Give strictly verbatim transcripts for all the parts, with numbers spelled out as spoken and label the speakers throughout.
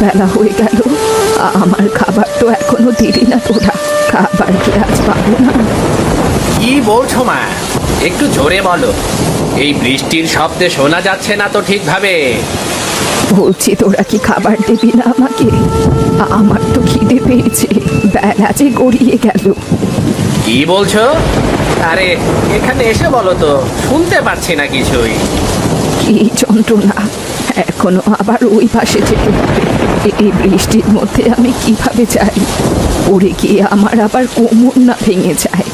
Speaker 1: বেলা হয়ে গেল, আমার খাবার তো এখনো দিলি না তোরা। খাবার কি আজ পাবো না?
Speaker 2: কি বলছো মা? একটু জোরে বলো, এই বৃষ্টির শব্দে শোনা যাচ্ছে না তো ঠিকভাবে।
Speaker 1: বলছি তোরা কি খাবার দিবি না আমাকে? আমার তো খিদে পেয়েছে, বেলা যে গড়িয়ে গেল।
Speaker 2: কি বলছো? আরে এখানে এসে বলো তো, শুনতে পাচ্ছি না কিছুই।
Speaker 1: কি যন্ত্রণা! এখনো আবার ওই পাশে যেতে হবে। এই বৃষ্টির মধ্যে আমি কিভাবে যাই? পড়ে গিয়ে আমার আবার কোমর না ভেঙে যায়।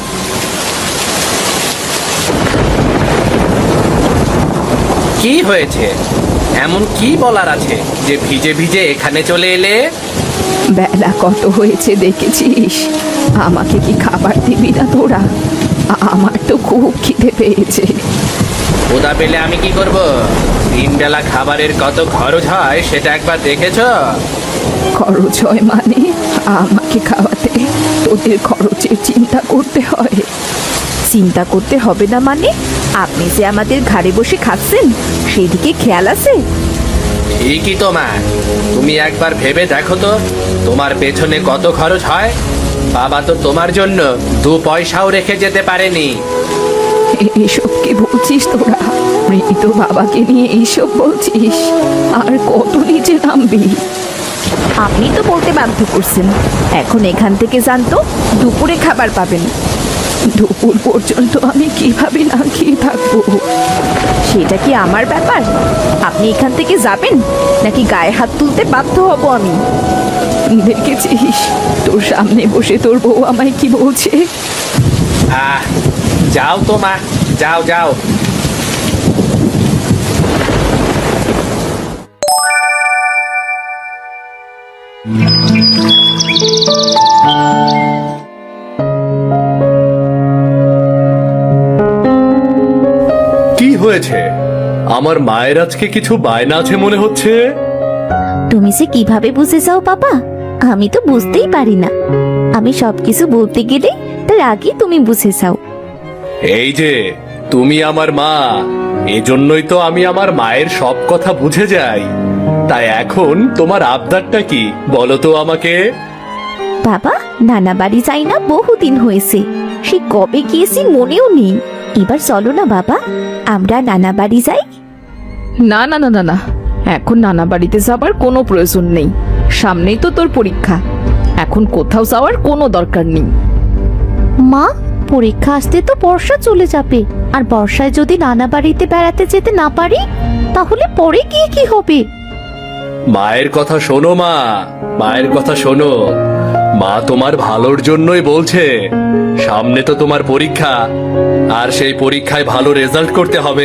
Speaker 2: কি হয়েছে? এমন কি বলার আছে যে ভিজে ভিজে এখানে চলে এলে?
Speaker 1: বেলা কত হয়েছে দেখেছিস? আমাকে কি খাবার দিবি না তোরা? আমার তো খুব খিদে পেয়েছে।
Speaker 2: ক্ষুধা পেলে আমি কি করব? তিন বেলা খাবারের কত খরচ হয় সেটা একবার দেখেছো?
Speaker 1: খরচ হয় মানে? আমাকে খাওয়াতে তোদের খরচের চিন্তা করতে হয়?
Speaker 3: চিন্তা করতে হবে না মানে? আপনি যে আমাদের ঘাড়ে বসে খাচ্ছেন সেদিকে খেয়াল আছে?
Speaker 2: ঠিকই তো মা, তুমি একবার ভেবে দেখো তো, তোমার পেছনে কত খরচ হয়। বাবা তো তোমার জন্য দু পয়সাও রেখে যেতে পারেনি।
Speaker 1: এসব কি বলছিস তোরা? মৃত বাবাকে নিয়ে এইসব বলছিস? আর কত নিচে নামবি?
Speaker 3: আপনি তো বলতে বাধ্য করছেন। এখন এখান থেকে যান তো, দুপুরে খাবার পাবেন।
Speaker 1: দুপুর পর্যন্ত আমি কিভাবে না খেয়ে থাকবো?
Speaker 3: সেটা কি আমার ব্যাপার? আপনি এখান থেকে যাবেন নাকি গায়ে হাত তুলতে বাধ্য হব আমি?
Speaker 1: দেখেছিস তোর সামনে বসে তোর বউ আমায় কি বলছে?
Speaker 2: আহ যাও তো মা, যাও যাও।
Speaker 4: কি হয়েছে? আমার মায়ের আজকে কিছু বায়না আছে মনে হচ্ছে।
Speaker 5: তুমি যে কিভাবে বুঝে যাও বাবা, আমি তো বুঝতেই পারি না। আমি সবকিছু বলতে গেলে তার আগে তুমি বুঝে যাও।
Speaker 4: এই যে তুমি আমার মা, এজন্যই তো আমি আমার মায়ের সব কথা বুঝে যাই। তাই এখন তোমার আবদারটা কি বলো তো আমাকে?
Speaker 5: বাবা, নানা বাড়ি যাই না বহুদিন হয়েছে, সে কবে গিয়েছি মনেও নেই। এবার চলো না বাবা, আমরা নানা বাড়ি যাই।
Speaker 3: না না না না না, এখন নানা বাড়িতে যাবার কোনো প্রয়োজন নেই। সামনেই তো তোর পরীক্ষা, এখন কোথাও যাওয়ার কোনো দরকার নেই।
Speaker 5: মা, পরীক্ষা আসতে তো বর্ষা চলে যাবে, আর বর্ষায় যদি নানা বাড়িতে বেড়াতে যেতে না পারি তাহলে পরে গিয়ে কি হবে?
Speaker 4: মায়ের কথা শোনো মা, মায়ের কথা শোনো। মা তোমার ভালোর জন্যই বলছে। সামনে তো তোমার পরীক্ষা, আর সেই পরীক্ষায় ভালো রেজাল্ট করতে হবে।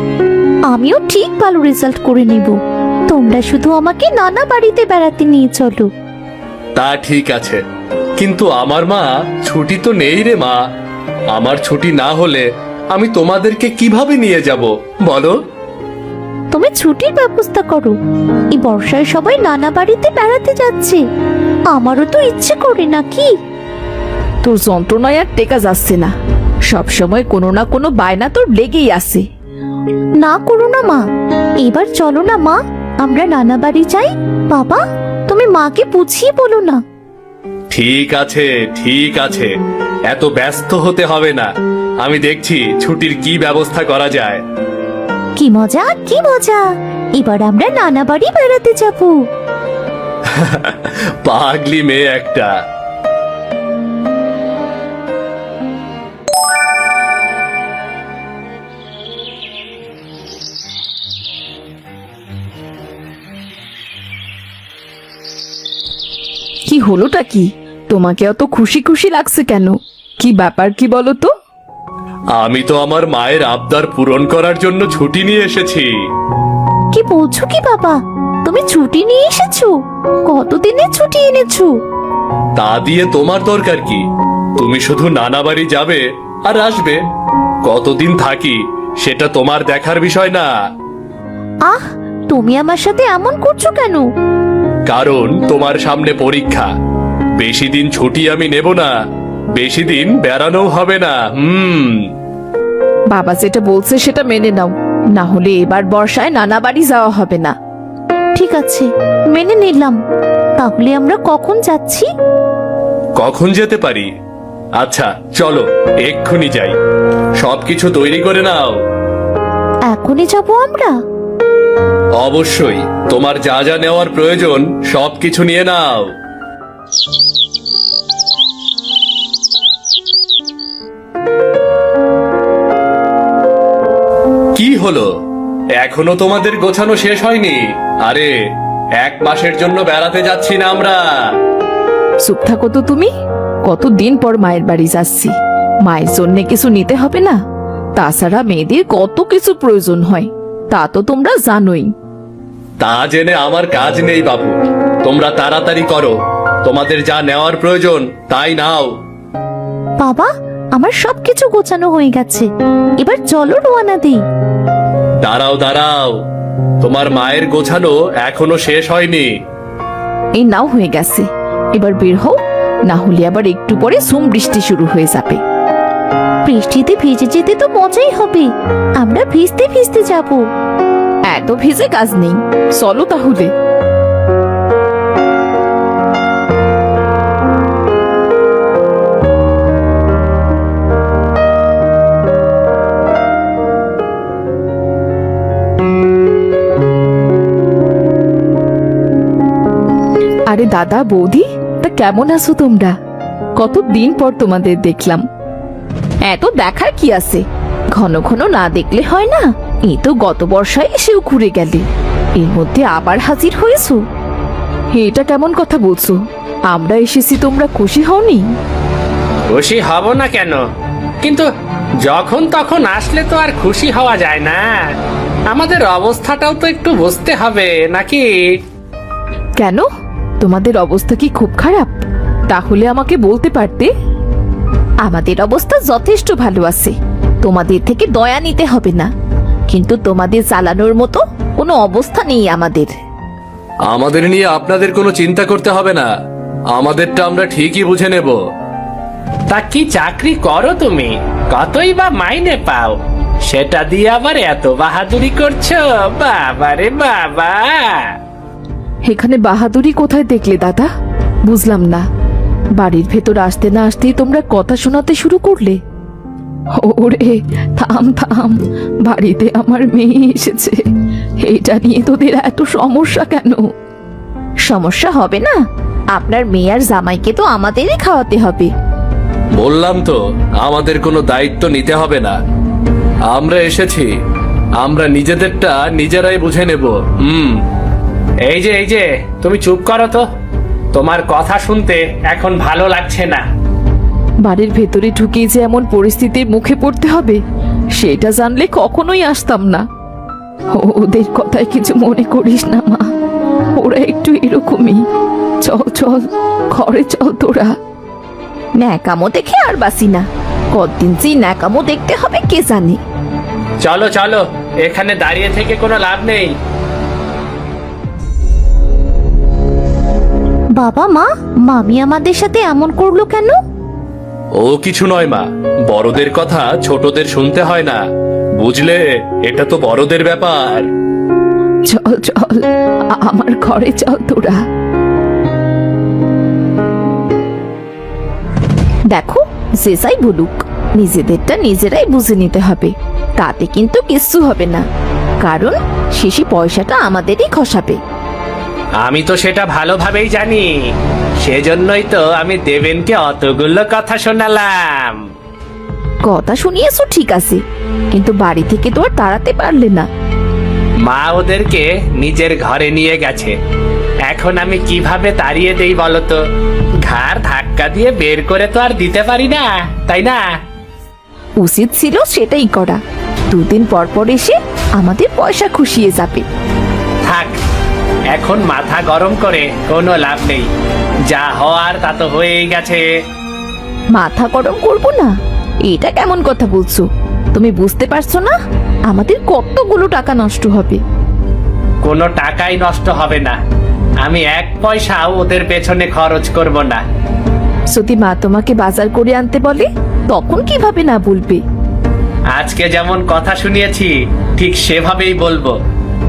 Speaker 5: আমিও ঠিক ভালো রেজাল্ট করে নিব, তোমরা শুধু আমাকে নানা বাড়িতে বেড়াতে নিয়ে চলো।
Speaker 4: তা ঠিক আছে, কিন্তু আমার মা ছুটি তো নেই রে মা। আমার ছুটি না হলে আমি তোমাদেরকে কিভাবে নিয়ে যাব বলো?
Speaker 5: তুমি ছুটির ব্যবস্থা করো। এই বর্ষায় সবাই নানা বাড়িতে বেড়াতে যাচ্ছে, আমারও তো ইচ্ছে করে নাকি?
Speaker 3: তোর যন্ত্রণায় আর টেকা যাচ্ছে না, সব সময় কোনো না কোনো বায়না তোর লেগেই আছে।
Speaker 5: না করো না মা, এবার চলো না মা, আমরা নানা বাড়ি যাই। বাবা, তুমি মাকে বুঝিয়ে বলো না।
Speaker 4: ঠিক আছে ঠিক আছে, এত ব্যস্ত হতে হবে না। আমি দেখছি ছুটির কি ব্যবস্থা করা যায়।
Speaker 5: কি মজা কি মজা, এবার আমরা নানা বাড়ি বেড়াতে যাবো।
Speaker 4: পাগলি মেয়ে একটা।
Speaker 3: কি হলোটা কি? তোমাকে অত খুশি খুশি লাগছে কেন? কি ব্যাপার কি বলো তো?
Speaker 4: আমি তো আমার মায়ের আবদার পূরণ করার জন্য ছুটি নিয়ে এসেছি।
Speaker 5: কি বলছো কি বাবা, তুমি ছুটি নিয়ে এসেছো? কতদিনের ছুটি এনেছো?
Speaker 4: তা দিয়ে তোমার দরকার কি? তুমি শুধু নানা বাড়ি যাবে আর আসবে। কতদিন থাকি সেটা তোমার দেখার বিষয় না।
Speaker 5: আহ, তুমি আমার সাথে এমন করছো কেন?
Speaker 4: কারণ তোমার সামনে পরীক্ষা। বেশি দিন ছুটি আমি নেব না, বেশি দিন বেড়ানো হবে না। হুম
Speaker 3: বাবা যেটা বলছে সেটা মেনে নাও, না হলে এবার বর্ষায় নানা বাড়ি যাওয়া হবে না।
Speaker 5: ঠিক আছে, মেনে নিলাম। তাহলে আমরা কখন যাচ্ছি?
Speaker 4: কখন যেতে পারি? আচ্ছা চলো এক্ষুনি যাই, সবকিছু তৈরি করে নাও।
Speaker 5: এখনই যাব আমরা?
Speaker 4: অবশ্যই, তোমার যা যা নেওয়ার প্রয়োজন সবকিছু নিয়ে নাও। কি হলো, এখনো তোমাদের গোছানো শেষ হয়নি? আরে এক মাসের জন্য বেড়াতে যাচ্ছি না আমরা?
Speaker 3: চুপ থাকো তো তুমি। কতদিন পর মায়ের বাড়ি যাচ্ছি, মায়ের জন্য কিছু নিতে হবে না? তাছাড়া মেয়েদের কত কিছু প্রয়োজন হয়, তা তো তোমরা জানোই।
Speaker 4: তা জেনে আমার কাজ নেই বাবু, তোমরা তাড়াতাড়ি করো, তোমাদের যা নেওয়ার প্রয়োজন তাই নাও।
Speaker 5: বাবা, আমার সবকিছু গোছানো হয়ে গেছে, এবার চলো রওনা দিই।
Speaker 4: দাঁড়াও দাঁড়াও, তোমার মায়ের গোছানো এখনো শেষ হয়নি।
Speaker 3: এই নাও হয়ে গেছে, এবার বের হও, না হলে আবার একটু পরে ঝুম বৃষ্টি শুরু হয়ে যাবে।
Speaker 5: বৃষ্টিতে ভিজে যেতে তো মজাই হবে, আমরা ভিজতে ভিজতে যাব।
Speaker 3: এত ভিজে কাজ নেই, চলো তাহলে। আরে দাদা বৌদি, তা কেমন আছো তোমরা? কতদিন পর তোমাদের দেখলাম। এত দেখার কি আছে, ঘন ঘন না দেখলে হয় না? এই তো গত বর্ষায় এসেও ঘুরে গেলে, এর মধ্যে আবার হাজির হয়েছো। এটা কেমন কথা বলছো? আমরা এসেছি, তোমরা খুশি হওনি?
Speaker 2: খুশি হব না কেন, কিন্তু যখন তখন আসলে তো আর খুশি হওয়া যায় না। আমাদের অবস্থাটাও তো একটু বুঝতে হবে নাকি?
Speaker 3: কেন, তোমাদের অবস্থা কি খুব খারাপ? তাহলে আমাকে বলতে পারতে। আমাদের অবস্থা যথেষ্ট ভালো আছে, তোমাদের থেকে দয়া নিতে হবে না, কিন্তু তোমাদের চালানোর মতো কোনো অবস্থা নেই আমাদের।
Speaker 4: আমাদের নিয়ে আপনাদের কোনো চিন্তা করতে হবে না, আমাদেরটা আমরা ঠিকই বুঝে নেব।
Speaker 2: তা কি চাকরি করো তুমি? কতই বা মাইনে পাও? সেটা দিয়ে আবার এত বাহাদুরি করছো? বাবারে বাবা!
Speaker 3: এখানে বাহাদুরি কোথায় দেখলে দাদা? বুঝলাম না। বাড়ির ভেতর আসতে না আসতেই তোমরা কথা শোনাতে শুরু করলে। ওরে থাম থাম, বাড়িতে আমার মেয়ে এসেছে, এটা নিয়ে তোদের এত সমস্যা কেন?
Speaker 5: সমস্যা হবে না, আপনার মেয়ে আর জামাইকে তো আমাদেরই খাওয়াতে হবে।
Speaker 4: বললাম তো, আমাদের কোনো দায়িত্ব নিতে হবে না, আমরা এসেছি, আমরা নিজেদেরটা নিজেরাই বুঝে নেব। হুম।
Speaker 2: এই যে এই যে তুমি চুপ করো তো, তোমার কথা শুনতে এখন ভালো লাগছে না।
Speaker 3: বাড়ির ভেতরে ঢুকে যে এমন পরিস্থিতির মুখে পড়তে হবে, সেটা জানলে কখনোই আসতাম না। ওদের কথায় কিছু মনে করিস না মা, ওরা একটু এরকমই। চল চল, ঘরে চল তোরা।
Speaker 5: ন্যাকামো দেখে আর বাসি না, কতদিন যে ন্যাকামো দেখতে হবে কে জানে।
Speaker 2: চলো চলো, এখানে দাঁড়িয়ে থেকে কোনো লাভ নেই।
Speaker 5: বাবা মা, মামি আমাদের সাথে এমন করলো কেন?
Speaker 4: ও কিছু নয় মা, বড়দের কথা ছোটদের শুনতে হয় না, বুঝলে? এটা তো বড়দের ব্যাপার।
Speaker 3: চল চল, আ- আমার ঘরে চল তোরা।
Speaker 5: দেখো, যে যাই বলুক, নিজেদেরটা নিজেরাই বুঝে নিতে হবে, তাতে কিন্তু কিচ্ছু হবে না, কারণ শেষে পয়সাটা আমাদেরই খসাবে।
Speaker 2: আমি তো সেটা ভালোভাবেই জানি, সেজন্যই তো আমি দেবেনকে অতগুলো কথা শোনালাম।
Speaker 5: কথা শুনিয়েছো ঠিক আছে, কিন্তু বাড়ি থেকে তো আর তাড়াতে পারলে না।
Speaker 2: মা ওদেরকে নিজের ঘরে নিয়ে গেছে, এখন আমি কিভাবে তাড়িয়ে দেই বলতো? ঘাড় ধাক্কা দিয়ে বের করে তো আর দিতে পারি না, তাই না?
Speaker 5: উচিত ছিল সেটাই করা, দুদিন পর পর এসে আমাদের পয়সা খুশিয়ে যাবে।
Speaker 2: থাক, এখন মাথা গরম করে কোনো লাভ নেই, যা হওয়ার তা তো হয়েই গেছে।
Speaker 5: মাথা গরম করবো না, এটা কেমন কথা বলছো? তুমি বুঝতে পারছো না আমাদের কতগুলো টাকা নষ্ট হবে?
Speaker 2: কোনো টাকাই নষ্ট হবে না, আমি এক পয়সাও ওদের পেছনে খরচ করব না।
Speaker 3: যদি মা তোমাকে বাজার করে আনতে বলে, তখন কিভাবে না বলবে?
Speaker 2: আজকে যেমন কথা শুনিয়েছি ঠিক সেভাবেই বলবো।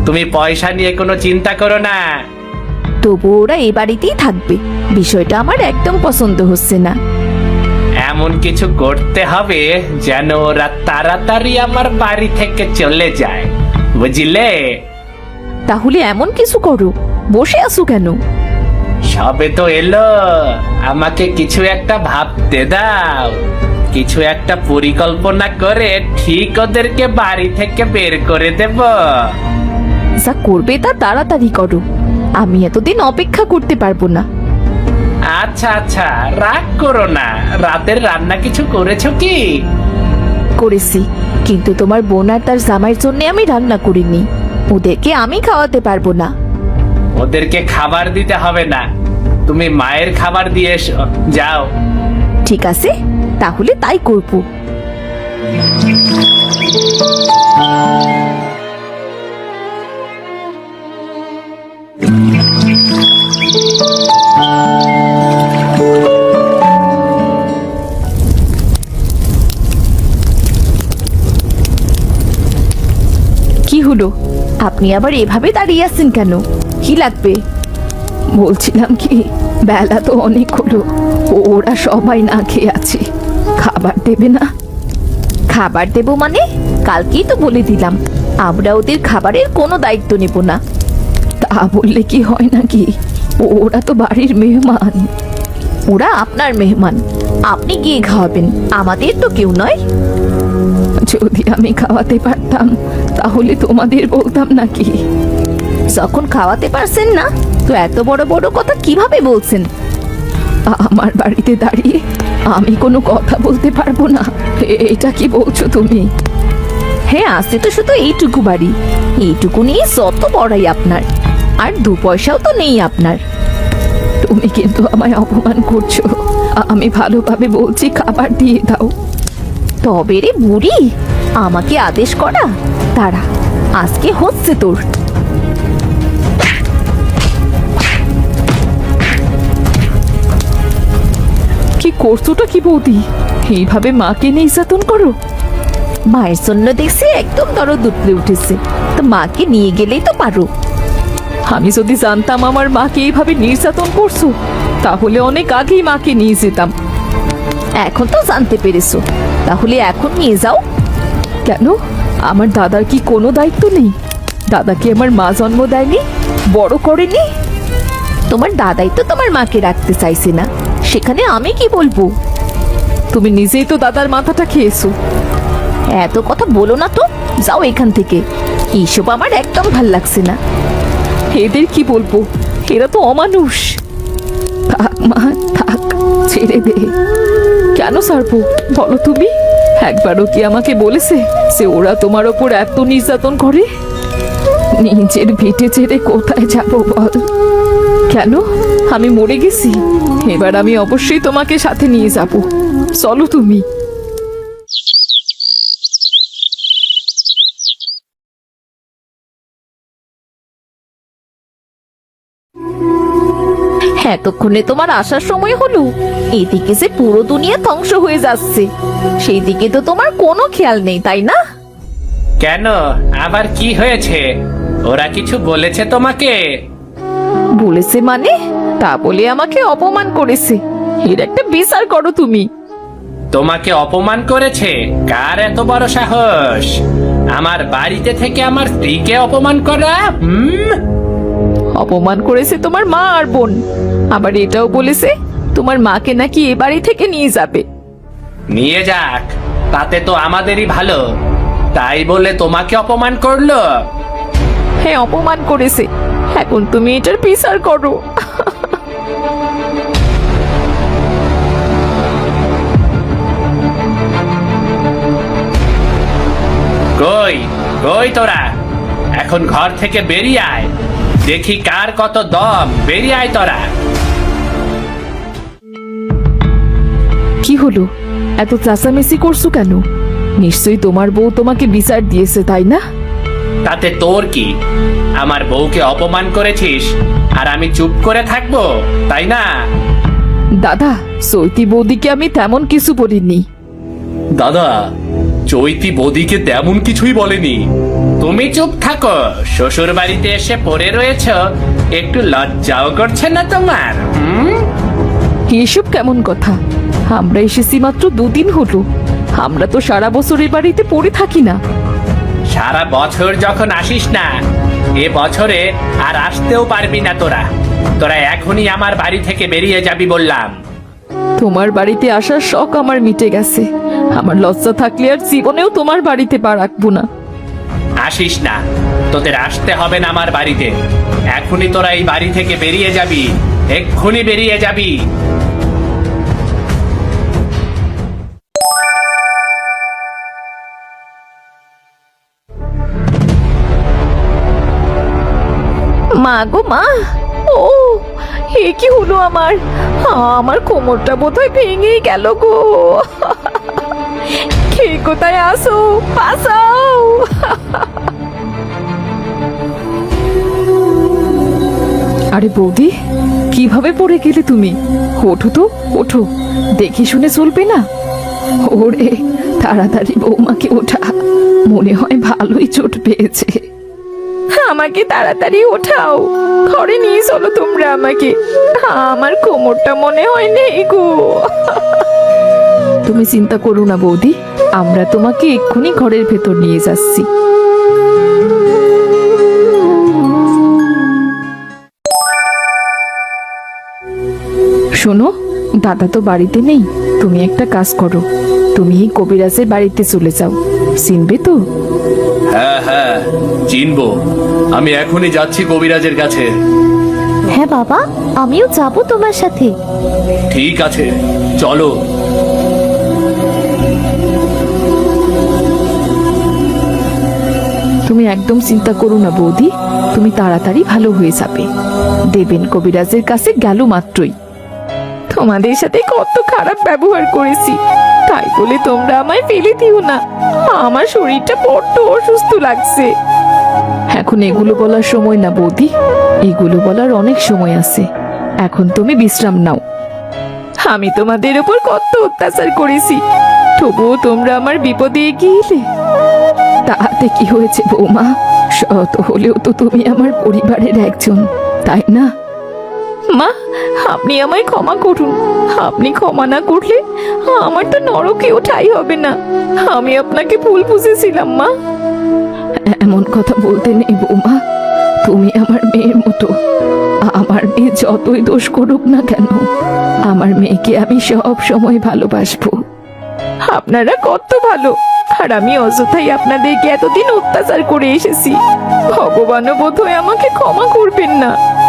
Speaker 2: তুমি পয়সা নিয়ে কোনো চিন্তা করো না।
Speaker 5: তবু ওরা এ বাড়িতেই থাকবে, বিষয়টা আমার একদম পছন্দ হচ্ছে না।
Speaker 2: এমন কিছু করতে হবে যেন ওরা তাড়াতাড়ি আমার বাড়ি থেকে চলে যায়, বুঝলে?
Speaker 5: তাহলে এমন কিছু করো, বসে আছো কেন?
Speaker 2: সবে তো এলো, আমাকে কিছু একটা ভাবতে দাও। কিছু একটা পরিকল্পনা করে ঠিক ওদেরকে বাড়ি থেকে বের করে দেব।
Speaker 5: যা করবে তা তাড়াতাড়ি করো, আমি এতদিন অপেক্ষা করতে পারবো না।
Speaker 2: আচ্ছা আচ্ছা, রাগ করো না। রাতের রান্না কিছু করেছো কি?
Speaker 5: করেছি, কিন্তু তোমার বোন আর তার জামাইয়ের জন্য আমি রান্না করিনি। ওদেরকে আমি খাওয়াতে পারবো না।
Speaker 2: ওদেরকে খাবার দিতে হবে না, তুমি মায়ের খাবার দিয়ে এসো, যাও।
Speaker 5: ঠিক আছে, তাহলে তাই করবো। কি হলো, আপনি আবার এভাবে দাঁড়িয়ে আছেন কেন? কি লাগবে?
Speaker 1: বলছিলাম কি, বেলা তো অনেক হলো, ওরা সবাই না খেয়ে আছে, খাবার দেবে না?
Speaker 5: খাবার দেব মানে? কালকেই তো বলে দিলাম আমরা ওদের খাবারের কোনো দায়িত্ব নেব না।
Speaker 1: তা বললে কি হয় নাকি? ওরা তো বাড়ির মেহমান।
Speaker 5: ওরা আপনার মেহমান, আপনি গিয়ে খাওয়াবেন, আমাদের তো কেউ নয়।
Speaker 1: যদি আমি খাওয়াতে পারতাম তাহলে তোমাদের বলতাম নাকি?
Speaker 5: যখন খাওয়াতে পারছেন না, তো এত বড় বড় কথা কিভাবে বলছেন?
Speaker 1: আমার বাড়িতে দাঁড়িয়ে আমি কোনো কথা বলতে পারবো না, এ- এটা কি বলছো তুমি?
Speaker 5: হ্যাঁ, আছে তো শুধু এইটুকু বাড়ি, এইটুকু নিয়ে যত বড়াই আপনার, আর দু পয়সাও তো নেই আপনার।
Speaker 1: তুমি কিন্তু আমায় অপমান করছো। আমি ভালোভাবে বলছি, খাবার দিয়ে দাও।
Speaker 5: তবে রে বুড়ি, আমাকে আদেশ করা? তারা আজকে হচ্ছে তোর।
Speaker 1: কি করছোটা কি বৌদি? এইভাবে মাকে নির্যাতন করো?
Speaker 5: মায়ের জন্য দেখছি একদম দরদ উঠলে উঠেছে, তো মাকে নিয়ে গেলেই তো পারো।
Speaker 1: আমি যদি জানতাম আমার মাকে এইভাবে নির্যাতন করছো, তাহলে অনেক আগেই মাকে নিয়ে যেতাম।
Speaker 5: এখন তো জানতে পেরেছো, তাহলে এখন নিয়ে যাও।
Speaker 1: কেন? আমার দাদার কি কোনো দায়িত্ব নেই? দাদা কি আমার মা জন্ম দেয়নি, বড় করেনি?
Speaker 5: তোমার দাদাই তো তোমার মাকে রাখতে চাইছে না, সেখানে আমি কি বলবো?
Speaker 1: তুমি নিজেই তো দাদার মাথাটা খেয়েছো।
Speaker 5: এত কথা বলো না তো, যাও এখান থেকে, এইসব আমার একদম ভাল লাগছে না।
Speaker 1: এদের কি বলবো, এরা তো অমানুষ। থাক মা থাক, ছেড়ে দে। কেন ছাড়বো বলো তুমি? একবারও কি আমাকে বলেছে যে ওরা তোমার ওপর এত নির্যাতন করে? নিজের ভিটে ছেড়ে কোথায় যাবো বল? কেন, আমি মরে গেছি? এবার আমি অবশ্যই তোমাকে সাথে নিয়ে যাব, চলো তুমি।
Speaker 5: এতক্ষণে তোমার আসার সময় হলো? এদিকে যে পুরো দুনিয়া ধ্বংস হয়ে যাচ্ছে, সেই দিকে তো তোমার কোনো খেয়াল নেই, তাই না?
Speaker 2: কেন, আবার কি হয়েছে? ওরা কিছু বলেছে তোমাকে?
Speaker 1: বলেছে মানে? তা বলে আমাকে অপমান করেছে, এর একটা বিচার করো তুমি।
Speaker 2: তোমাকে অপমান করেছে? কার এত বড় সাহস আমার বাড়িতে থেকে আমার স্ত্রীকে অপমান করা? হুম,
Speaker 1: অপমান করেছে তোমার মা আর বোন, আবার এটাও বলেছে তোমার মাকে নাকি এ বাড়ি থেকে নিয়ে যাবে।
Speaker 2: নিয়ে যাক, তাতে তো আমাদেরই ভালো। তাই বলে তোমাকে অপমান করলো?
Speaker 1: হ্যাঁ, অপমান করেছে, এখন তুমি এটার বিচার করো।
Speaker 2: কই কই তোরা, এখন ঘর থেকে বেরিয়ে আয়, দেখি কার কত দম। বেরিয়ে আয় তোরা।
Speaker 1: কি হলো, এত চেঁচামেচি করছো কেন? নিশ্চয়ই তোমার বউ তোমাকে বিচার দিয়েছে, তাই না?
Speaker 2: তাতে তোর কি? আমার বউকে অপমান করেছিস আর আমি চুপ করে থাকবো, তাই না?
Speaker 1: দাদা, সৈতি বৌদিকে আমি তেমন কিছু বলিনি।
Speaker 4: দাদা, চৈতি বদিকে তেমন কিছুই বলেনি।
Speaker 2: তুমি চুপ থাকো, শ্বশুর বাড়িতে এসে পড়ে রয়েছ, একটু লজ্জাও করছে না তোমার? হুম?
Speaker 1: এসব কেমন কথা? আমরা এসেছি মাত্র দুদিন হলো। আমরা তো সারা বছর এ বাড়িতে পড়ে থাকি না।
Speaker 2: সারা বছর যখন আসিস না, এ বছরে আর আসতেও পারবি না তোরা। তোরা এখনই আমার বাড়ি থেকে বেরিয়ে যাবি বললাম।
Speaker 1: তোমার বাড়িতে আসার শখ আমার মিটে গেছে। আমার লজ্জা থাকলে আর জীবনেও তোমার বাড়িতে পা রাখবো না।
Speaker 2: আসিস না, তোদের আসতে হবে না আমার বাড়িতে। এখনই তোরা এই বাড়ি থেকে বেরিয়ে যাবি, এক্ষুনি বেরিয়ে যাবি।
Speaker 3: মা গো মা, ও এ কি হলো আমার? আমার কোমরটা বোধহয় ভেঙেই গেল গো। কে কোথায় আসো, বাঁচাও।
Speaker 1: আরে বৌদি, কিভাবে পড়ে গেলে তুমি? ওঠো তো, ওঠো, দেখে শুনে চলবে না। ওরে, তাড়াতাড়ি বৌমাকে ওঠা, মনে হয় ভালোই চোট পেয়েছে।
Speaker 3: আমাকে তাড়াতাড়ি ওঠাও, ঘরে নিয়ে চলো তোমরা আমাকে। আমার কোমরটা মনে হয় নেই গো।
Speaker 1: তুমি চিন্তা করো না বৌদি, আমরা তোমাকে এক্ষুনি ঘরের ভেতর নিয়ে যাচ্ছি। শোনো, দাদা তো বাড়িতে নেই। তুমি একটা কাজ করো, তুমি এই কবিরাজের বাড়িতে চলে যাও। চিনবে তো?
Speaker 4: হ্যাঁ হ্যাঁ, চিনবো। আমি এখনই যাচ্ছি কবিরাজের কাছে।
Speaker 5: হ্যাঁ বাবা, আমিও যাব তোমার সাথে।
Speaker 4: ঠিক আছে, চলো।
Speaker 1: তুমি একদম চিন্তা করো না বৌদি, তুমি তাড়াতাড়ি ভালো হয়ে যাবে। দেবেন কবিরাজের কাছে গেল মাত্রই।
Speaker 3: তোমাদের সাথে কত খারাপ ব্যবহার করেছি, তাই বলে তোমরা আমায় ফেলে দিও না। আমার শরীরটা বড্ড অসুস্থ লাগছে।
Speaker 1: এখন এগুলো বলার সময় না বৌদি, এগুলো বলার অনেক সময় আছে। এখন তুমি বিশ্রাম নাও।
Speaker 3: আমি তোমাদের উপর কত অত্যাচার করেছি, তবুও তোমরা আমার বিপদে এগিয়ে এলে।
Speaker 1: তাতে কি হয়েছে বৌমা? শত হলেও তো তুমি আমার পরিবারের একজন, তাই না?
Speaker 3: মা, আপনি আমায় ক্ষমা করুন। আপনি ক্ষমা না করলে আমার তো নরকেও ঠাঁই হবে না। আমি আপনাকে ভুল বুঝেছিলাম মা।
Speaker 1: এমন কথা বলতে নেই বৌমা, তুমি আমার মেয়ের মতো। আমার মেয়ে যতই দোষ করুক না কেন, আমার মেয়েকে আমি সব সময় ভালোবাসবো।
Speaker 3: আপনারা কত ভালো, আর আমি অযথাই আপনাদেরকে এতদিন অত্যাচার করে এসেছি। ভগবানও বোধহয় আমাকে ক্ষমা করবেন না।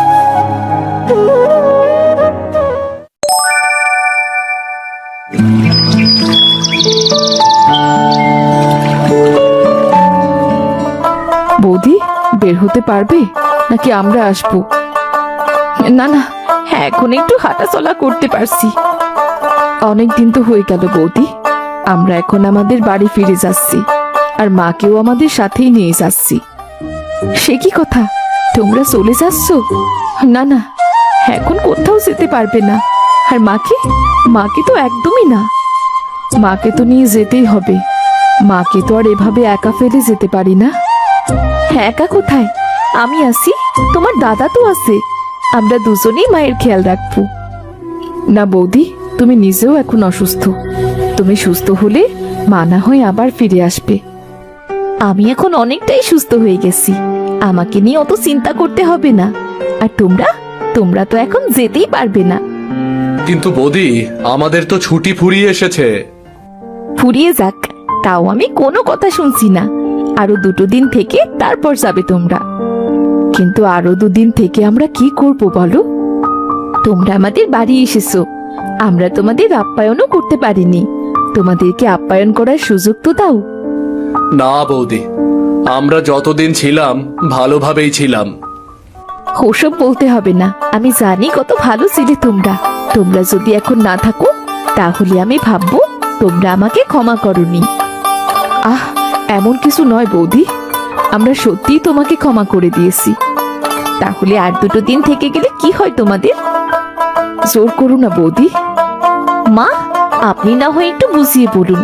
Speaker 1: বৌদি, বের হতে পারবে নাকি আমরা আসবো?
Speaker 3: না না, এখন একটু হাঁটাচলা করতে পারছি।
Speaker 1: অনেক দিন তো হয়ে গেল বৌদি, আমরা এখন আমাদের বাড়ি ফিরে যাচ্ছি, আর মাকেও আমাদের সাথেই নিয়ে যাচ্ছি। সে কি কথা, তোমরা চলে যাচ্ছ? না না, এখন কোথাও যেতে পারবে না। আর মাকে, মাকে তো একদমই না। মাকে তো নিয়ে যেতেই হবে। মাকে তো আর এভাবে একা ফেলে যেতে পারি না।
Speaker 3: একা কোথায়? আমি আছি, তোমার দাদা তো আছে। আমরা দুজনেই মায়ের খেয়াল রাখবো।
Speaker 1: না বৌদি, তুমি নিজেও এখন অসুস্থ। তুমি সুস্থ হলে মা না হয় আবার ফিরে আসবে।
Speaker 3: আমি এখন অনেকটাই সুস্থ হয়ে গেছি, আমাকে নিয়ে অত চিন্তা করতে হবে না। আর তোমরা তোমরা তো এখন যেতেই পারবে না।
Speaker 4: কিন্তু বৌদি, আমাদের তো ছুটি ফুরিয়ে এসেছে।
Speaker 3: ফুরিয়ে যাক, তাও আমি কোনো কথা শুনছি না। আরো দুটো দিন থেকে তারপর যাবে তোমরা।
Speaker 1: কিন্তু আরো দুদিন থেকে আমরা কি করব বলো?
Speaker 3: তোমরা আমাদের বাড়ি এসেছো, আমরা তোমাদের আপ্যায়নও করতে পারিনি। তোমাদেরকে আপ্যায়ন করার সুযোগ তো দাও।
Speaker 4: না বৌদি, আমরা যতদিন ছিলাম ভালোভাবেই ছিলাম।
Speaker 3: ওসব বলতে হবে না, আমি জানি কত ভালো ছিলে তোমরা। তোমরা যদি এখন না থাকো, তাহলে আমি ভাববো তোমরা আমাকে ক্ষমা করনি।
Speaker 1: আহ, এমন কিছু নয় বৌদি, আমরা সত্যিই তোমাকে ক্ষমা করে দিয়েছি।
Speaker 3: তাহলে আর দুটো দিন থেকে গেলে কি হয় তোমাদের?
Speaker 1: জোর করো না বৌদি।
Speaker 3: মা, আপনি না হয় একটু বুঝিয়ে বলুন,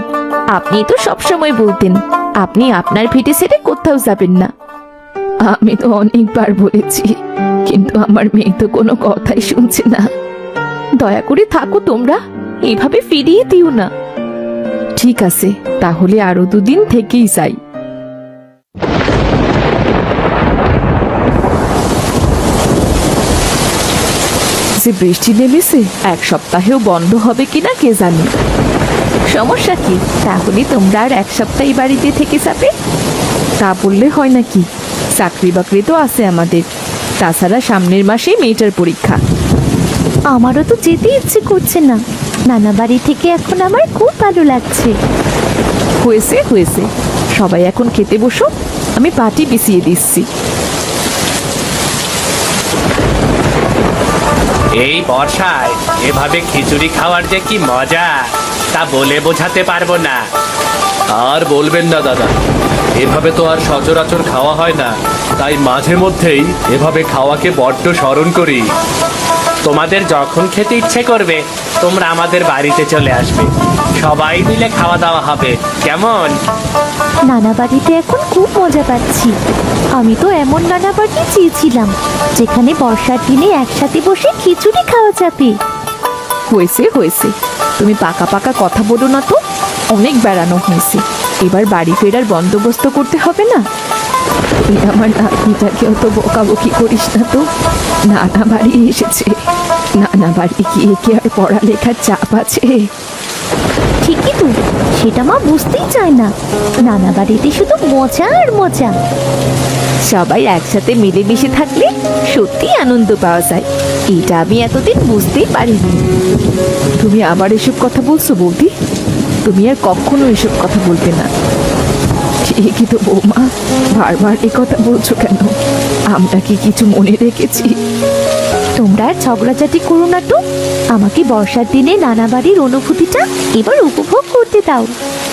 Speaker 5: আপনি তো সবসময় বলতেন আপনি আপনার ভিটে ছেড়ে কোথাও যাবেন না।
Speaker 3: আমি তো অনেকবার বলেছি, কিন্তু আমার মেয়ে তো কোনো কথাই শুনছে না।
Speaker 5: দয়া করে থাকো তোমরা, এভাবে ফিরিয়ে দিও না।
Speaker 3: ঠিক আছে, তাহলে আরো দুদিন থেকেই যাই। যে বৃষ্টি নেমেছে, এক সপ্তাহেও বন্ধ হবে কিনা কে জানে।
Speaker 5: সমস্যা কি? তাহলে তোমরা আর এক সপ্তাহ এই বাড়িতে থেকে যাবে।
Speaker 3: তা বললে হয় নাকি? চাকরি বাকরি তো আছে আমাদের, তাছাড়া সামনের মাসেই মেয়েটার পরীক্ষা।
Speaker 5: আমারও তো যেতে ইচ্ছে করছে না, নানা বাড়ি থেকে এখন আমার খুব ভালো লাগছে।
Speaker 3: হয়েছে হয়েছে, সবাই এখন খেতে বসো, আমি পাটি বিছিয়ে দিচ্ছি।
Speaker 2: এই বর্ষায় এভাবে খিচুড়ি খাওয়ার যে কি মজা তা বলে বোঝাতে পারবো না।
Speaker 4: আর বলবেন না দাদা, এভাবে তো আর সচরাচর খাওয়া হয় না, তাই মাঝে মধ্যেই এভাবে খাওয়াকে বড্ড স্মরণ করি।
Speaker 2: তোমাদের যখন খেতে ইচ্ছে করবে তোমরা আমাদের বাড়িতে চলে আসবে, সবাই মিলে খাওয়া দাওয়া হবে, কেমন?
Speaker 5: নানা বাড়িতে এখন খুব মজা পাচ্ছি। আমি তো এমন নানা বাড়ি চেয়েছিলাম যেখানে বর্ষার দিনে একসাথে বসে খিচুড়ি খাওয়া যাবে।
Speaker 3: হয়েছে হয়েছে, তুমি পাকা পাকা কথা বলো না তো, অনেক বেড়ানো হয়েছে, এবার বাড়ি ফেরার বন্দোবস্ত করতে হবে না? তুই আমার নাতনিটাকে অত বকাবকি করিস না তো, নানা বাড়ি এসেছে, নানা বাড়ি গিয়ে কি আর পড়ালেখার চাপ আছে?
Speaker 5: ঠিকই তো, সেটা মা বুঝতেই চায় না। নানা বাড়িতে শুধু মজা আর মজা। সবাই একসাথে মিলেমিশে থাকলে সত্যি আনন্দ পাওয়া যায়, এটা আমি এতদিন বুঝতেই পারিনি।
Speaker 3: তুমি আবার এসব কথা বলছো বৌদি? তুমি আর কখনো এসব কথা বলবে না। ঠিকই তো বৌমা, বারবার এ কথা বলছো কেন? আমরা কি কিছু মনে রেখেছি?
Speaker 5: তোমরা আর ঝগড়াঝাটি করো না তো, আমাকে বর্ষার দিনে নানা বাড়ির অনুভূতিটা এবার উপভোগ করতে দাও।